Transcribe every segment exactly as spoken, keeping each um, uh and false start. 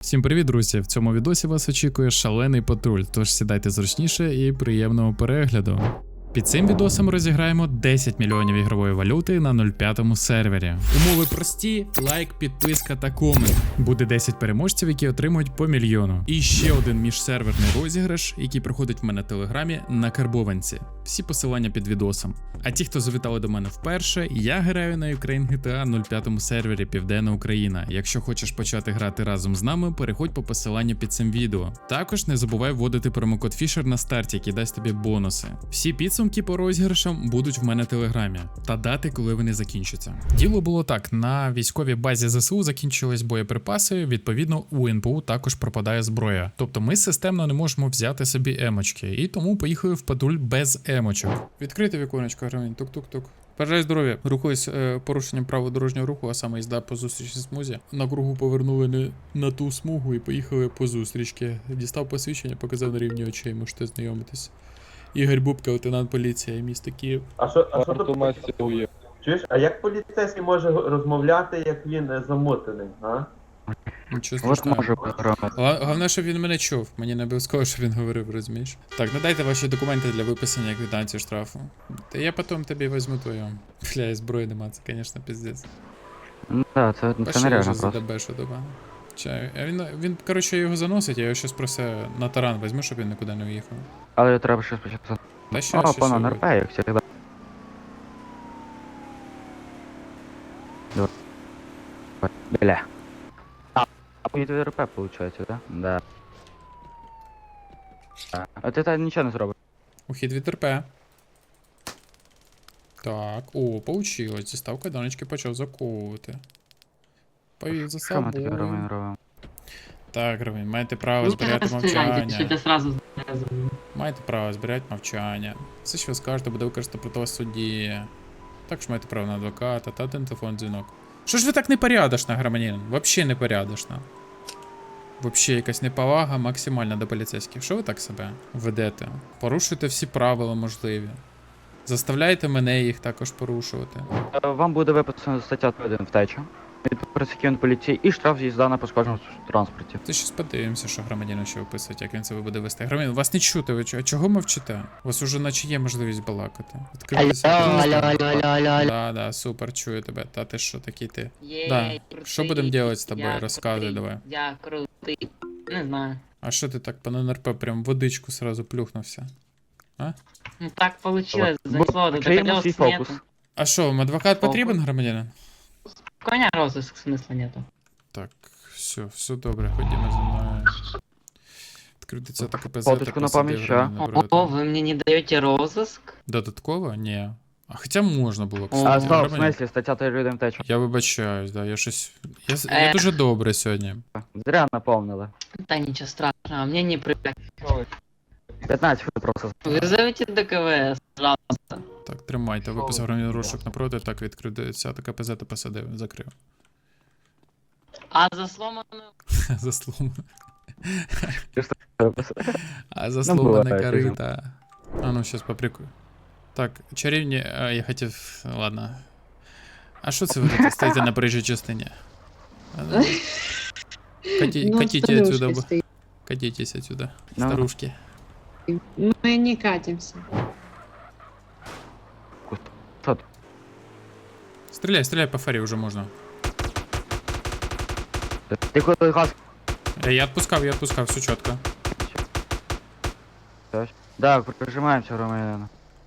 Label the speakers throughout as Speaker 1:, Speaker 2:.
Speaker 1: Всім привіт, друзі! В цьому відосі вас очікує шалений патруль, тож сідайте зручніше і приємного перегляду. Під цим відосом розіграємо десять мільйонів ігрової валюти на нуль п'ятому сервері. Умови прості: лайк, підписка та комент. Буде десять переможців, які отримують по мільйону. І ще один міжсерверний розіграш, який проходить в мене в телеграмі на Карбованці. Всі посилання під відосом. А ті, хто завітали до мене вперше, я граю на Ukraine джі ті ей нуль п'ятому сервері Південна Україна. Якщо хочеш почати грати разом з нами, переходь по посиланню під цим відео. Також не забувай вводити промокод Fisher на старті, який дасть тобі бонуси. Всі підсумки по розіграшам будуть в мене в телеграмі та дати, коли вони закінчаться. Діло було так: на військовій базі зе се у закінчились боєприпаси, відповідно у ен пе у також пропадає зброя. Тобто ми системно не можемо взяти собі емочки, і тому поїхали в патруль без емочок. Відкрите віконечко, гравень, тук-тук-тук. Бажаю здоров'я. Рухаюсь е, порушенням правил дорожнього руху, а саме їзда по зустрічній смузі. На кругу повернули не на ту смугу і поїхали по зустрічки. Дістав посвідчення, показав на рівні очей, можете знайомитись. Ігор Бубка, лейтенант поліції, місто Київ.
Speaker 2: А що, а що тут? Чуєш, а як поліцейський може розмовляти, як він замотаний, а?
Speaker 1: Нічого страшного. Головне, щоб він мене чув. Мені не обов'язково, щоб він говорив, розумієш? Так, надайте ваші документи для виписання квитанції штрафу. Та я потім тобі візьму твою. Бля, і зброї нема, це, звісно, пиздець.
Speaker 3: Ну так, це, це нереально просто.
Speaker 1: Задебешу доба. Чаю. А він, він, коротше, його заносить, я його щось просто на таран візьму, щоб він нікуди не уїхав.
Speaker 3: Але треба щось почати.
Speaker 1: Та що,
Speaker 3: О,
Speaker 1: що,
Speaker 3: пана
Speaker 1: що,
Speaker 3: НРП, як завжди. Бля. А поїду в РП, виходить, да? Да. А ти так нічого не зробиш.
Speaker 1: Ухід від РП. Так, о, получилось. Дістав кайданочки, почав заковувати. Повів за
Speaker 3: Що ми таке
Speaker 1: собою.
Speaker 3: робимо, робимо?
Speaker 1: Так, Ромін, маєте право зберігати мовчання.
Speaker 4: Що ти сразу
Speaker 1: Маєте право зберігати мовчання. Все, що ви скажете, буде використано проти вас в суді. Також маєте право на адвоката та один телефон дзвінок. Що ж ви так непорядочна, громадянин? Вообще непорядочна. Вообще якась неповага максимальна до поліцейських. Що ви так себе ведете? Порушуєте всі правила можливі. Заставляєте мене їх також порушувати.
Speaker 3: Е, Вам буде виписана стаття один втеча від працівників поліції і штраф з'їзда на пошкодженому транспорті.
Speaker 1: Ти щось подивимося, що громадянин ще виписують, як він себе буде вести. Громадянин, вас не чути, ви чого, чого мовчите? У вас уже наче є можливість балакати. Відкритися.
Speaker 4: Алло, алло, алло, алло, алло.
Speaker 1: Да, да, супер, чую тебе. Та ти що такий ти?
Speaker 4: Єй,
Speaker 1: Да.
Speaker 4: крутий,
Speaker 1: Що будемо робити з тобою?
Speaker 4: я
Speaker 1: Розказуй
Speaker 4: крутий,
Speaker 1: давай.
Speaker 4: Я крутий. Не знаю.
Speaker 1: А що ти так по ен ер пе прям водичку сразу плюхнувся?
Speaker 4: Ну так получилось,
Speaker 3: Бо-
Speaker 4: занесло до
Speaker 3: Чаємо
Speaker 4: колес
Speaker 3: свій
Speaker 4: нету.
Speaker 3: фокус.
Speaker 1: А що, вам адвокат потрібен, громадянин?
Speaker 4: Коня розыск смысла нету.
Speaker 1: Так, все, все добре, ходімо за мною. Відкрити це таке ПЗ.
Speaker 3: Фоточку на пам'ять, що?
Speaker 4: О, вы мне не даете розыск?
Speaker 1: Додатково? Ні. А хоча можна було б.
Speaker 4: О,
Speaker 3: А,
Speaker 1: кстати,
Speaker 3: стоп, в
Speaker 1: громадянин.
Speaker 3: смислі, стаття один втеча.
Speaker 1: Я вибачаюсь, да, я щось. Я, с- я
Speaker 4: Е.
Speaker 1: дуже добре сьогодні.
Speaker 3: Зря наповнили.
Speaker 4: Да ничего страшного, мне не привык.
Speaker 3: п'ятнадцять хвилин просто.
Speaker 4: Вызовите до ка вэ эс, пожалуйста.
Speaker 1: Так, тримайте, виписав громадянин розшук напроти, так відкритися, така ПЗ та посадив, закрив.
Speaker 4: А за сломанную...
Speaker 1: За слом.
Speaker 3: Ну,
Speaker 1: А за сломане
Speaker 3: буває,
Speaker 1: корита. А ну, щас поприкую. Так, чарівні, а, я хотів. Ладно. А що це ви тут стоїте на проїжджій частині? А, ну, Каті,
Speaker 5: Ну,
Speaker 1: катите
Speaker 5: старушка
Speaker 1: отсюда. б-
Speaker 5: стоит.
Speaker 1: Катитесь отсюда,
Speaker 3: Ну.
Speaker 1: старушки.
Speaker 5: Мы не катимся.
Speaker 3: Що ти?
Speaker 1: Стреляй, стреляй по фарі вже можна.
Speaker 3: Ти коли газ...
Speaker 1: Е, Я відпускав, я відпускав, все чітко.
Speaker 3: Да, прижимаємося, громадянина.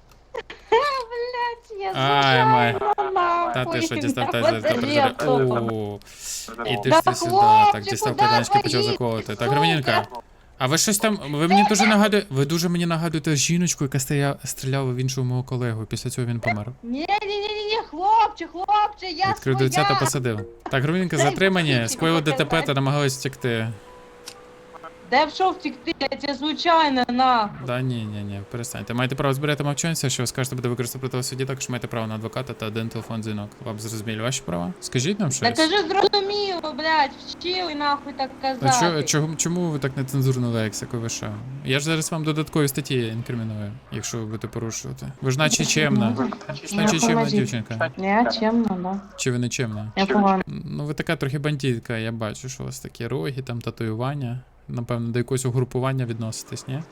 Speaker 1: Ай, май. Та ти що, дістав та та О, і ти ж ти сюди. Так, дістав кайданочки, почав заковувати. Так, громадянка. А ви щось там, ви мені дуже нагадуєте, ви дуже мені нагадуєте жіночку, яка стоя, стріляла в іншого мого колегу, після цього він помер.
Speaker 5: Ні-ні-ні, хлопче, хлопче, я
Speaker 1: Відкрив дверця та посадив. Так, громадянка, затримані, скоїли ДТП та намагались втекти.
Speaker 5: Да я пішов втекти, я тебе случайно, нахуй.
Speaker 1: Да ні, ні, ні, перестаньте. Маєте право збирати мовчанця, що ви скажете буде використати проти вас в суді, також маєте право на адвоката та один телефон дзвінок. Вам зрозуміли ваші права? Скажіть нам
Speaker 5: Да
Speaker 1: щось.
Speaker 5: кажи зрозуміло, блядь, вчили нахуй так
Speaker 1: А чо,
Speaker 5: казати.
Speaker 1: чому, чому ви так нецензурно лексику ви що? Я ж зараз вам додаткові статті інкриміную, якщо ви будете порушувати. Ви ж наче чемна. Ви ж наче чемна дівчинка.
Speaker 5: Я чемно, да.
Speaker 1: Чи ви не чемна?
Speaker 5: Я погано.
Speaker 1: Ну ви така трохи бандитка, я бачу, що у вас такі роги, там татуювання. Напевно, до якогось угрупування відноситесь, ні?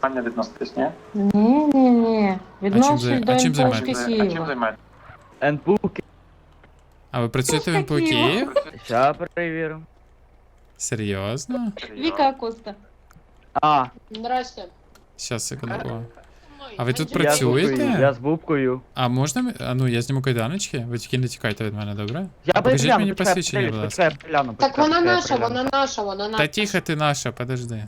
Speaker 5: Ні-ні-ні,
Speaker 1: зай-
Speaker 5: відношусь до
Speaker 1: а чим
Speaker 5: імпочки
Speaker 1: займаєтесь?
Speaker 5: Києва.
Speaker 3: НПУ.
Speaker 1: А ви працюєте в НПО
Speaker 5: Такі,
Speaker 1: Київ?
Speaker 3: Ща перевірю.
Speaker 1: Серйозно?
Speaker 5: Віка Коста.
Speaker 3: А,
Speaker 5: Здрасте.
Speaker 1: Щас, секунду. О. А ви тут
Speaker 3: я з
Speaker 1: працюєте?
Speaker 3: бубкою, я з бубкою.
Speaker 1: А можна, м- а ну я зніму кайданочки, ви тільки не тікайте від мене, добре?
Speaker 3: Я
Speaker 1: А покажіть
Speaker 3: перегляну,
Speaker 1: мені
Speaker 3: почекай,
Speaker 1: посвідчення, будь
Speaker 3: почекай,
Speaker 1: ласка.
Speaker 3: почекай, перегляну,
Speaker 5: Так
Speaker 3: почекай,
Speaker 5: вона
Speaker 3: почекай,
Speaker 5: наша,
Speaker 3: перегляну.
Speaker 5: вона наша, вона наша.
Speaker 1: Та тихо ти наша, подожди.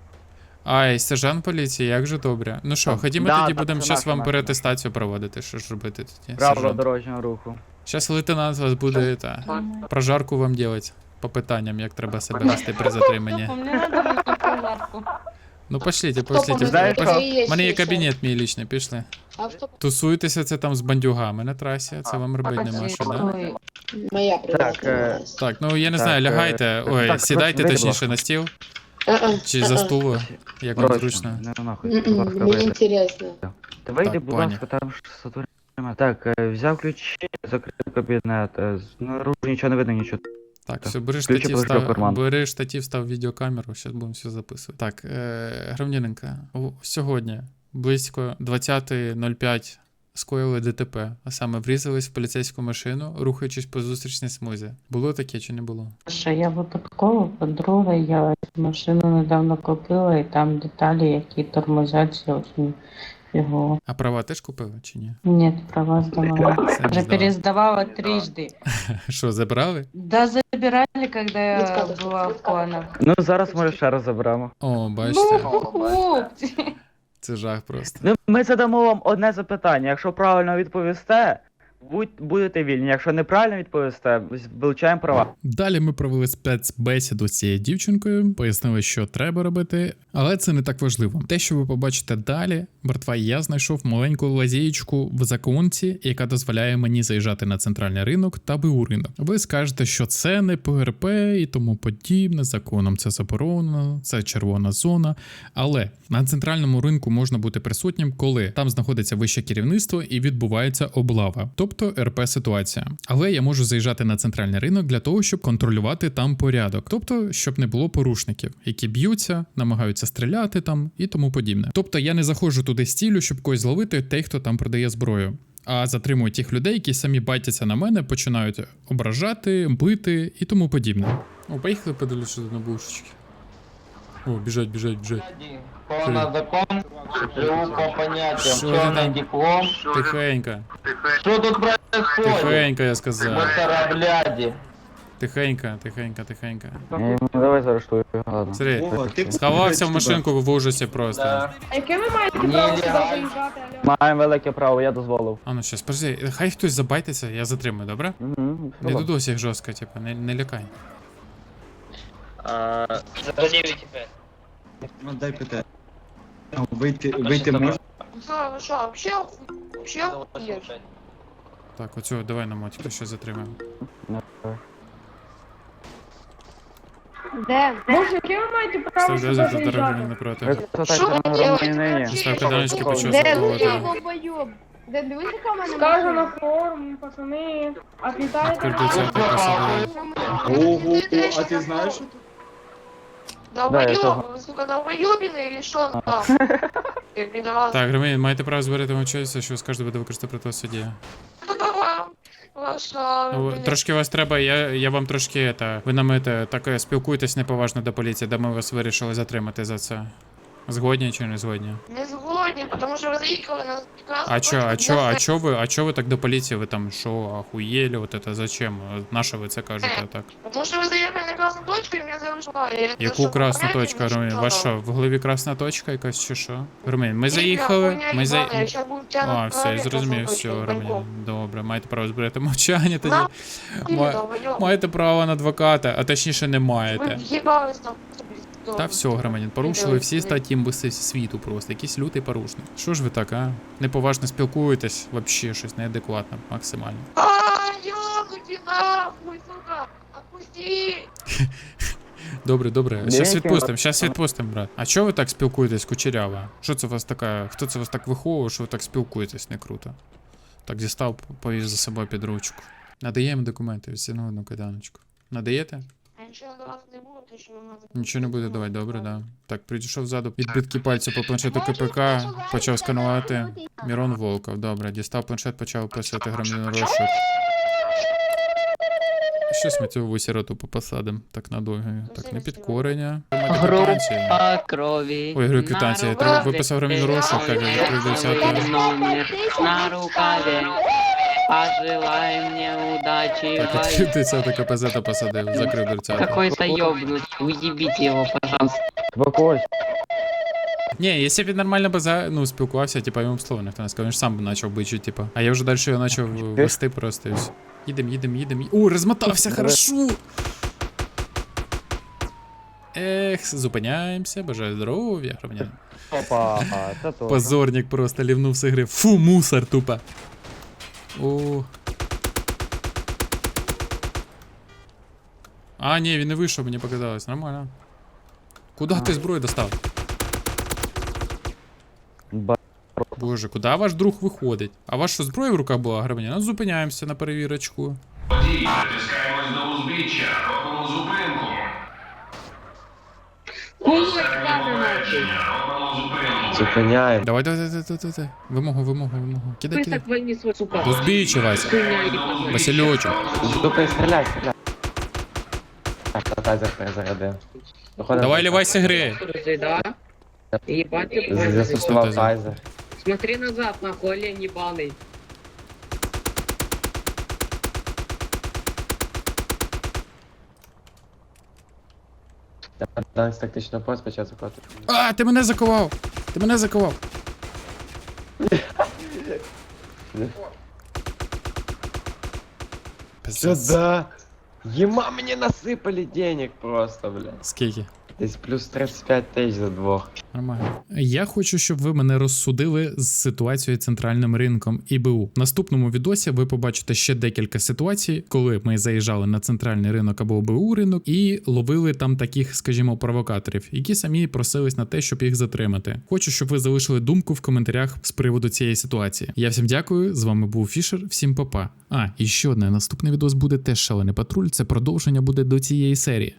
Speaker 1: Ай, сержант поліції, як же добре. Ну що, ходімо
Speaker 3: Да,
Speaker 1: тоді
Speaker 3: так,
Speaker 1: будемо
Speaker 3: це
Speaker 1: щас
Speaker 3: наша,
Speaker 1: вам
Speaker 3: наша,
Speaker 1: переатестацію проводити, що ж робити тоді.
Speaker 3: Правила
Speaker 1: сержант?
Speaker 3: дорожнього руху.
Speaker 1: Щас лейтенант вас буде та, прожарку вам делать по питанням, як треба себе вести при затриманні.
Speaker 5: Мені надо було прожарку.
Speaker 1: Ну пошліть,
Speaker 3: Ти
Speaker 1: пошліть.
Speaker 3: знаєш,
Speaker 1: Пош-
Speaker 3: що?
Speaker 1: У мене є кабінет мій лічний, пішли. Тусуйтеся це там з бандюгами на трасі, це вам робити нема що, да?
Speaker 5: Моя
Speaker 3: Так, е,
Speaker 1: Так, ну я не
Speaker 3: Так,
Speaker 1: знаю,
Speaker 3: е,
Speaker 1: лягайте, ой,
Speaker 3: так,
Speaker 1: сідайте
Speaker 3: вийди, будь
Speaker 1: точніше
Speaker 3: ласка.
Speaker 1: на стіл, чи за стул, як вам зручно.
Speaker 3: Не нахуй, будь ласка,
Speaker 5: Мені
Speaker 3: вийди.
Speaker 5: інтересно.
Speaker 3: Та вийди,
Speaker 1: Так,
Speaker 3: будь
Speaker 1: пані.
Speaker 3: ласка, там ж сатурі. Так, е, взяв ключі, закрив кабінет, е, знаружи нічого не видно, нічого.
Speaker 1: Так, все, бери
Speaker 3: Ключі
Speaker 1: штатів,
Speaker 3: положи в
Speaker 1: став,
Speaker 3: карман.
Speaker 1: бери штатів, став відеокамеру, зараз будемо все записувати. Так, е, громадянинка, о, сьогодні близько двадцята нуль п'ять скоїли ДТП, а саме врізались в поліцейську машину, рухаючись по зустрічній смузі. Було таке чи не було?
Speaker 6: Що я випадково, по-друге, я машину недавно купила, і там деталі, які тормозять очень фігово.
Speaker 1: А права теж купили чи ні?
Speaker 6: Ні, права здавала.
Speaker 1: Самі
Speaker 6: Вже
Speaker 1: здавали.
Speaker 6: пересдавала трижды.
Speaker 1: Що, забрали?
Speaker 6: Да, забирали, когда я была в планах.
Speaker 3: Ну, зараз може ще раз заберемо.
Speaker 1: О,
Speaker 5: Ну,
Speaker 1: бачите,
Speaker 5: хлопці.
Speaker 1: це жах просто.
Speaker 3: Ну, ми задамо вам одне запитання. Якщо правильно відповісте, будь, будете вільні. Якщо неправильно відповісте, вилучаємо права.
Speaker 1: Далі ми провели спецбесіду з цією дівчинкою, пояснили, що треба робити, але це не так важливо. Те, що ви побачите далі, братва, я знайшов маленьку лазєєчку в законці, яка дозволяє мені заїжджати на центральний ринок та БУ ринок. Ви скажете, що це не ПРП і тому подібне, законом це заборонено, це червона зона. Але на центральному ринку можна бути присутнім, коли там знаходиться вище керівництво і відбувається облава, тобто РП ситуація. Але я можу заїжджати на центральний ринок для того, щоб контролювати там порядок, тобто щоб не було порушників, які б'ються, намагаються стріляти там і тому подібне. Тобто я не заходжу туди з ціллю, щоб когось зловити тих, хто там продає зброю. А затримую тих людей, які самі байтяться на мене, починають ображати, бити і тому подібне. О, поїхали подивлюся на бушечки. О, біжать, біжать, біжать.
Speaker 7: Повна закон, живу по поняттям,
Speaker 1: Що ти
Speaker 7: черный
Speaker 1: там?
Speaker 7: диплом.
Speaker 1: Тихенько,
Speaker 7: Что тут происходит?
Speaker 1: тихенько, я сказав.
Speaker 7: Мусора, бляди.
Speaker 1: Тихенько, тихенько, тихенько.
Speaker 3: Ну, давай заарештую. Ладно.
Speaker 1: Смотри, сховався в машинку в ужасі просто.
Speaker 7: Да.
Speaker 5: А яке ви маєте
Speaker 7: право
Speaker 5: право
Speaker 7: сюди
Speaker 5: сюди
Speaker 7: Нелегально.
Speaker 5: заїжджати, алло?
Speaker 3: Маємо велике право, я дозволив.
Speaker 1: А ну щас, подожди, хай хтось забайтиться, я затримую, добре?
Speaker 3: Угу,
Speaker 1: Не додось їх жорстко, типу, не, не лякай.
Speaker 7: За девять пять.
Speaker 8: Ну, дай питання. Вийти, вийти можна?
Speaker 5: Що, що, вообще оху- вообще охуєш?
Speaker 1: Так, оцього давай на мотику ще затримаємо.
Speaker 5: Де? Боже, яке ви маєте право
Speaker 1: Став
Speaker 5: сюди
Speaker 1: дозу до дороги
Speaker 5: заїжджати?
Speaker 1: напроти.
Speaker 3: Ви
Speaker 5: Що
Speaker 3: кстати,
Speaker 5: ви
Speaker 3: на
Speaker 5: делаете
Speaker 3: громадянині.
Speaker 5: вообще?
Speaker 1: Став кайданочки, почав
Speaker 5: Де
Speaker 1: заковувати.
Speaker 5: ви, долбойоб? Де дивись, яка в мене
Speaker 9: Скажу на
Speaker 5: машина?
Speaker 9: форум, пацани, отлітайте.
Speaker 1: Відкрити це так посадили.
Speaker 8: Ого, а ти знаєш?
Speaker 3: Да, я
Speaker 5: Долбойоб,
Speaker 3: того.
Speaker 5: ви, сука, долбойобіни, или що там? Я підраз.
Speaker 1: Так, громадян, маєте право збирати мовчатися, що ви скажете буде використати проти вас в суді.
Speaker 5: Ваша...
Speaker 1: Ну, Трошки вас треба, я, я вам трошки, это, ви нам это, так е, спілкуєтесь неповажно до поліції, де ми вас вирішили затримати за це. Згодні чи не згодні?
Speaker 5: Не згодні, тому що ви заїхали на
Speaker 1: А чо, а чо, а чо ви, а чо ви так до поліції, ви там що, охуєли, вот это зачем? На що ви це кажете так?
Speaker 5: Тому що ви заїхали на красну точку і мене зарушали.
Speaker 1: Яку красну точку, Ромін? Ваш що, в голові красна точка якась чи що? Ромін, ми заїхали, ми за... А, все, я зрозумів, все, Ромін, добре, маєте право збирати мовчання тоді. Ма- Маєте право на адвоката, а точніше не маєте.
Speaker 5: Ви в'їбались там. Добре.
Speaker 1: Та все, громадян, порушили всі статті імбиси світу просто, якийсь лютий порушник. Що ж ви так, а? Неповажно спілкуєтесь, вообще щось неадекватно, максимально.
Speaker 5: А, ёбаный нахуй, сука! Отпусти!
Speaker 1: Добре, добре.
Speaker 3: Ні,
Speaker 1: Щас
Speaker 3: які
Speaker 1: відпустим, щас відпустим, брат. А чого ви так спілкуєтесь, кучерява? Що це у вас така. Хто це вас так виховував, що ви так спілкуєтесь, не круто? Так дістав, повіз за собою під ручку. Надаємо документи, всіну одну кайданочку. Надаєте?
Speaker 5: А нічого до вас не буде, то що ви мене...
Speaker 1: Нічого не буде давати, добре, да. Так, підійшов ззаду, відбитки пальців по планшету КПК, почав сканувати. Мірон Волков, добре, дістав планшет, почав описувати громадянину розшук. Щось ми цю сироту по посадам, так надовго. Так, не підкорення.
Speaker 4: Группа крови.
Speaker 1: Ой, говорю, квитанція. Я треба виписав громадянину розшук, як я
Speaker 4: Номер на рукаве. Пожелай мне удачи в
Speaker 1: Так,
Speaker 4: бою.
Speaker 1: відкрив десята КПЗ та посадив, закрив дверцята.
Speaker 4: Какой-то ёбнутый, уебите его, пожалуйста.
Speaker 3: Спокойся.
Speaker 1: Ні, якщо б він нормально би за, ну, спілкувався, типа, йому б слово ніхто не сказав, він ж сам би почав бичити, типа. А я вже далі його почав вести просто і все. Їдем, їдем, їдем. О, розмотався, хорошо! Ех, зупиняємося, бажаю здоров'я, громадянин.
Speaker 3: Опа, це то.
Speaker 1: Позорник просто лівнув з ігри. Фу, мусор тупо. О. А, ні, він не вийшов, мені показалось. Нормально. Куда ти зброю достав?
Speaker 3: Ба-
Speaker 1: Боже, куди ваш друг виходить? А ваша що, зброя в руках була, громадян? Ну, зупиняємося на перевірочку.
Speaker 10: Водій, притискаємось до узбіччя, робимо зупинку. Поставимо попередження, робимо зупинку.
Speaker 2: Зупиняємо.
Speaker 1: Давай, давай, давай, давай, давай. Вимогу, вимогу, вимогу. Кидай, кидай.
Speaker 9: войни свой, сука.
Speaker 1: До збіччя, Вася. Васильочок.
Speaker 2: Стукай, стріляй, стріляй. Так, тазер зарядив. Виходимо.
Speaker 1: Давай, лівайся гри.
Speaker 9: Да? Ебать ты,
Speaker 2: З-
Speaker 9: блядь.
Speaker 2: Застосував
Speaker 1: Що це за-
Speaker 2: тайзер.
Speaker 9: Смотри назад, нахуй, олень ебаный.
Speaker 2: Данець тактичного пояс почав заходити.
Speaker 1: А, ти мене заковав. Ти мене заковав. Пиздец.
Speaker 2: Сюда! Ема мені насипали денег просто, бля.
Speaker 1: Скільки?
Speaker 2: Десь плюс тридцять п'ять тисяч за двох.
Speaker 1: Нормально. Я хочу, щоб ви мене розсудили з ситуацією центральним ринком і БУ. В наступному відосі ви побачите ще декілька ситуацій, коли ми заїжджали на центральний ринок або БУ ринок і ловили там таких, скажімо, провокаторів, які самі просились на те, щоб їх затримати. Хочу, щоб ви залишили думку в коментарях з приводу цієї ситуації. Я всім дякую. З вами був Фішер. Всім па-па. А, і ще одне. Наступний відос буде теж шалений патруль. Це продовження буде до цієї серії.